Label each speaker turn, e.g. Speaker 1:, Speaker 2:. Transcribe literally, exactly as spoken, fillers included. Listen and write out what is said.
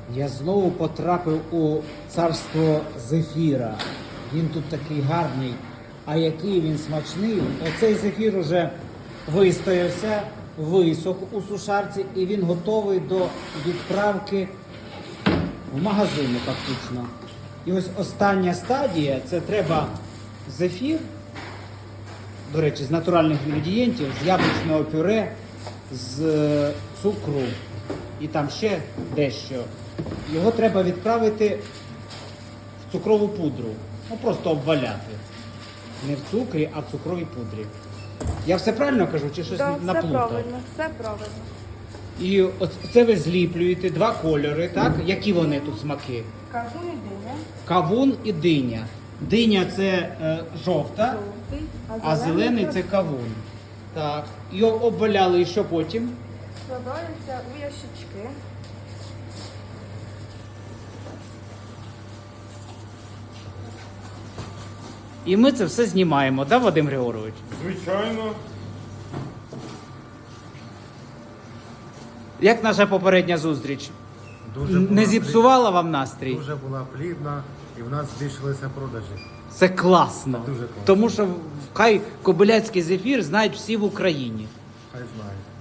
Speaker 1: Я знову потрапив у царство зефіра. Він тут такий гарний, а який він смачний. Оцей зефір уже вистоявся, висох у сушарці і він готовий до відправки в магазини фактично. І ось остання стадія, це треба зефір, до речі, з натуральних інгредієнтів, з яблучного пюре, з цукру і там ще дещо. Його треба відправити в цукрову пудру. Ну просто обваляти. Не в цукрі, а в цукровій пудрі. Я все правильно кажу, чи щось
Speaker 2: Так, все
Speaker 1: наплутав?
Speaker 2: правильно, все правильно.
Speaker 1: І от це ви зліплюєте два кольори, так? Які вони тут смаки?
Speaker 2: Кавун і диня.
Speaker 1: Кавун і диня. Диня це е, жовта,
Speaker 2: Жовтий,
Speaker 1: а зелений це кавун. Так. Його обваляли і що потім?
Speaker 2: складається у ящички.
Speaker 1: І ми це все знімаємо, да, Вадим Григорович?
Speaker 3: Звичайно.
Speaker 1: Як наша попередня зустріч?
Speaker 4: Дуже
Speaker 1: Не
Speaker 4: була
Speaker 1: зіпсувала вам настрій?
Speaker 4: плід- Дуже була плідна і в нас збільшилися продажі.
Speaker 1: Це класно.
Speaker 4: Дуже класно.
Speaker 1: Тому що хай кобиляцький зефір знають всі в Україні.
Speaker 4: Хай знають.